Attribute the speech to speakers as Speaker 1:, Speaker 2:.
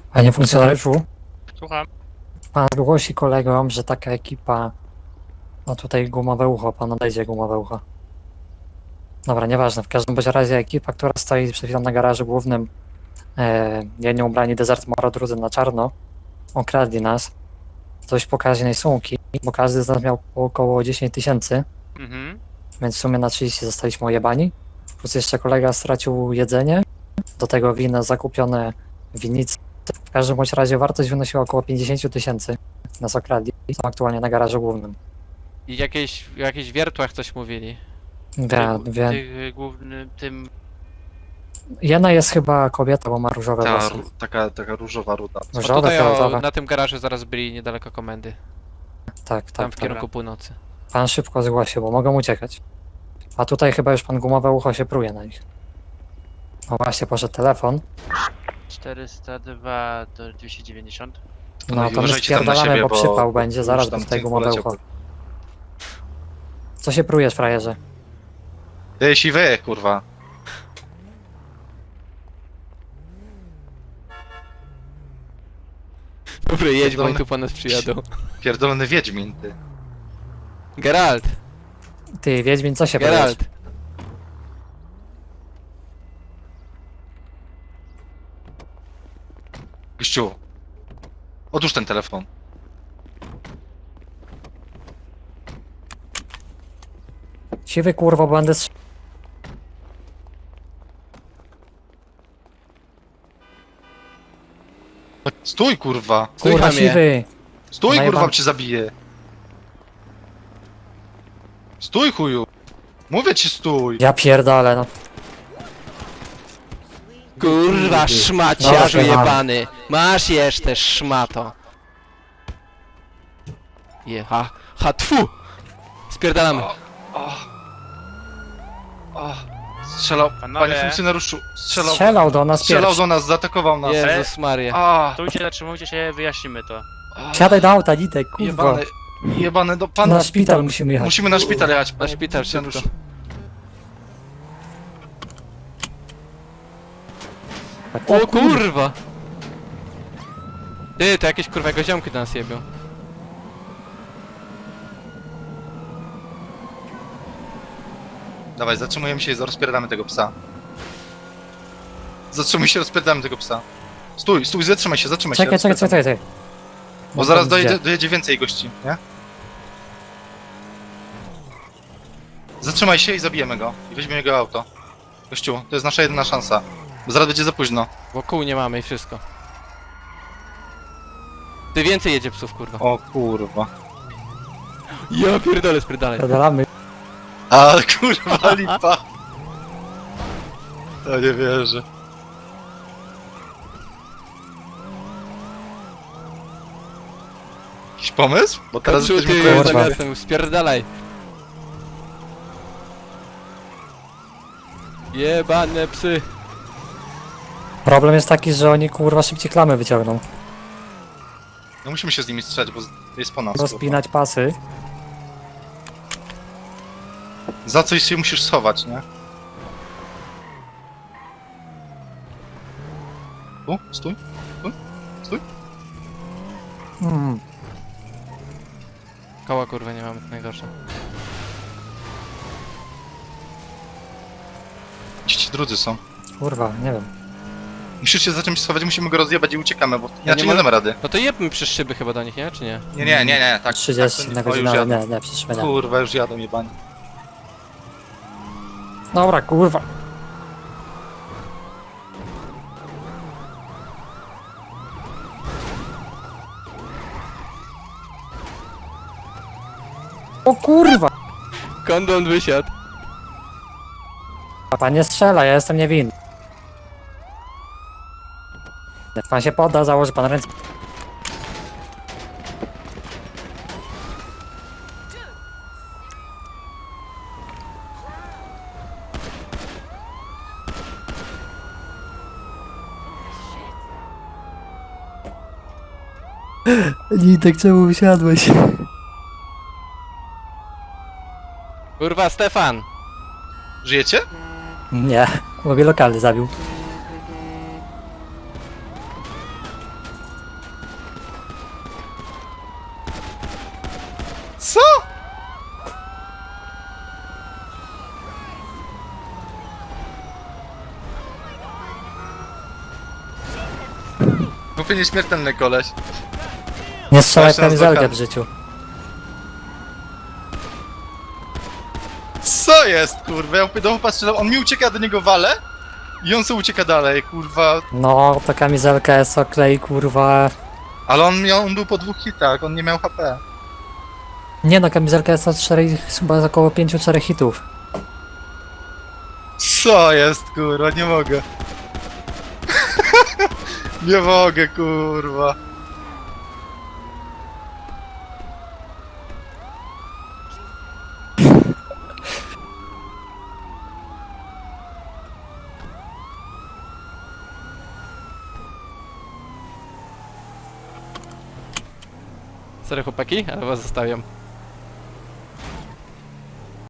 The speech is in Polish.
Speaker 1: Panie funkcjonariuszu,
Speaker 2: Słucham.
Speaker 1: pan głosi kolegom, że taka ekipa... No tutaj gumowe ucho, pan odejdzie gumowe ucho. Dobra, nieważne, w każdym bądź razie ekipa, która stoi przed chwilą na garażu głównym, jedni ubrani Desert Moro, drudzy na czarno, okradli nas z dość pokaźnej sumki, bo każdy z nas miał około 10 000, więc w sumie na 30 zostaliśmy ojebani. Plus jeszcze kolega stracił jedzenie, do tego wina zakupione winnice. W każdym bądź razie wartość wynosiła około 50 000. Nas okradli, są aktualnie na garażu głównym.
Speaker 3: I w jakichś wiertłach coś mówili.
Speaker 2: Tych głównym, tym...
Speaker 1: Jedna jest chyba kobieta, bo ma różowe
Speaker 4: Ta,
Speaker 1: włosy.
Speaker 4: taka różowa ruda.
Speaker 3: No
Speaker 1: Różowe,
Speaker 3: tutaj
Speaker 1: fioletowe.
Speaker 3: na tym garażu zaraz byli niedaleko komendy.
Speaker 1: Tak,
Speaker 3: Tam
Speaker 1: tak,
Speaker 3: w
Speaker 1: tak.
Speaker 3: kierunku północy.
Speaker 1: Pan szybko zgłosił, bo mogą uciekać. A tutaj chyba już pan gumowe ucho się pruje na nich. O właśnie, poszedł telefon.
Speaker 2: 402 do 290.
Speaker 1: No to my
Speaker 4: uważajcie tam na
Speaker 1: spierdalamy,
Speaker 4: siebie,
Speaker 1: bo
Speaker 4: bo
Speaker 1: przypał będzie,
Speaker 4: już
Speaker 1: zaraz
Speaker 4: tam
Speaker 1: bo tutaj
Speaker 4: cynk
Speaker 1: gumowe
Speaker 4: poleciał.
Speaker 1: ucho. Co się prujesz, frajerze?
Speaker 4: Ty, siwy, kurwa.
Speaker 3: Dobra, jedź, bo oni
Speaker 4: Pierdolony-
Speaker 3: tu po nas przyjadą.
Speaker 4: Pierdolony wiedźmin, ty.
Speaker 3: Geralt!
Speaker 1: Ty, Wiedźmin, co się prujesz?
Speaker 3: Geralt!
Speaker 4: Gościu. Odłóż ten telefon.
Speaker 1: Siwy kurwo, będę
Speaker 4: Stój, kurwa.
Speaker 1: Kurwa,
Speaker 3: Słycham je.
Speaker 1: siwy!
Speaker 4: Stój,
Speaker 1: Najeba-
Speaker 4: kurwa, bo cię zabiję. Stój, chuju. Mówię ci, stój.
Speaker 1: Ja pierdolę, no.
Speaker 3: Kurwa, szmaciarzu
Speaker 1: Dobra,
Speaker 3: jebany! Masz jeszcze, szmato! Ha, tfu! Spierdalamy.
Speaker 4: O, strzelał,
Speaker 2: Panowie.
Speaker 4: panie funkcjonariuszu,
Speaker 1: Strzelał do nas
Speaker 4: strzelał
Speaker 1: pierwszy.
Speaker 4: do nas, zaatakował nas.
Speaker 3: Jezus Maria.
Speaker 4: A,
Speaker 2: Stójcie, zatrzymujcie się, wyjaśnimy to.
Speaker 1: Siadaj do auta, Nitek, kurwa.
Speaker 4: jebany, jebany, do pana.
Speaker 1: Na szpital musimy jechać.
Speaker 4: Musimy na szpital jechać,
Speaker 3: Na
Speaker 4: panie
Speaker 3: szpital
Speaker 4: funkcjonariuszu.
Speaker 3: szybko. O kurwa! Ty, to jakieś kurwa jego ziomki do nas jebią.
Speaker 4: Dawaj, zatrzymujemy się i rozpierdamy tego psa. Zatrzymuj się, rozpierdamy tego psa. Stój, stój, zatrzymaj się, zatrzymaj się.
Speaker 1: Czekaj,
Speaker 4: rozpierdamy. Bo
Speaker 1: No
Speaker 4: zaraz
Speaker 1: to gdzie?
Speaker 4: dojedzie więcej gości, nie? Zatrzymaj się i zabijemy go. I weźmiemy jego auto. Gościu, to jest nasza jedyna szansa. Bo zaraz będzie za późno.
Speaker 3: Wokół nie mamy i wszystko. Ty, więcej jedzie psów, kurwa.
Speaker 4: O kurwa.
Speaker 3: Ja pierdolę, spierdalaj.
Speaker 1: Pierdolamy.
Speaker 4: A kurwa lipa. To nie wierzę. Jakiś pomysł? Bo teraz
Speaker 3: Kaczu,
Speaker 4: jesteśmy
Speaker 3: ty,
Speaker 1: kurwa.
Speaker 3: za
Speaker 4: koło
Speaker 3: miastem, spierdalaj. Jebane psy.
Speaker 1: Problem jest taki, że oni kurwa szybciej klamy wyciągną.
Speaker 4: No musimy się z nimi strzelać, bo jest po nas.
Speaker 1: Rozpinać pasy.
Speaker 4: Kurwa. Za coś się musisz schować, nie? Tu? Stój.
Speaker 3: Koła kurwa nie mamy, to najgorsze.
Speaker 4: Gdzie ci drudzy są?
Speaker 1: Kurwa, nie wiem.
Speaker 4: Musisz się za czymś schować, musimy go rozjebać i uciekamy, bo
Speaker 3: nie
Speaker 4: inaczej nie
Speaker 3: mogę-
Speaker 4: damy rady.
Speaker 3: No to jebmy przez szyby chyba do nich, nie? Czy nie?
Speaker 4: Nie, tak.
Speaker 1: 30
Speaker 4: tak,
Speaker 1: na
Speaker 4: o, już
Speaker 1: godzinę,
Speaker 4: jadą.
Speaker 1: nie, przyszły nie.
Speaker 4: Kurwa, już jadą jebani.
Speaker 1: Dobra, kurwa. O kurwa!
Speaker 3: Kondon wysiadł.
Speaker 1: Pan nie strzela, ja jestem niewinny. Jak pan się podda, założy pan ręce. Nitek, czemu usiadłeś?
Speaker 3: Kurwa, Stefan!
Speaker 4: Żyjecie?
Speaker 1: Nie, mówię lokalny zabił.
Speaker 4: Prawie nieśmiertelny koleś.
Speaker 1: Nie strzelaj w
Speaker 4: Właśnie nas
Speaker 1: kamizelkę
Speaker 4: blokada.
Speaker 1: w życiu.
Speaker 4: Co jest, kurwa? Ja do chłopa strzelam, on mi ucieka, do niego wale i on sobie ucieka dalej, kurwa.
Speaker 1: No, ta kamizelka jest oklej, kurwa.
Speaker 4: Ale on był po 2 hitach, on nie miał HP.
Speaker 1: Nie no, kamizelka jest na 4, chyba około 5-4 hitów.
Speaker 4: Co jest, kurwa? Nie mogę. Nie mogę, kurwa.
Speaker 3: Sorry chłopaki, ale was zostawiam.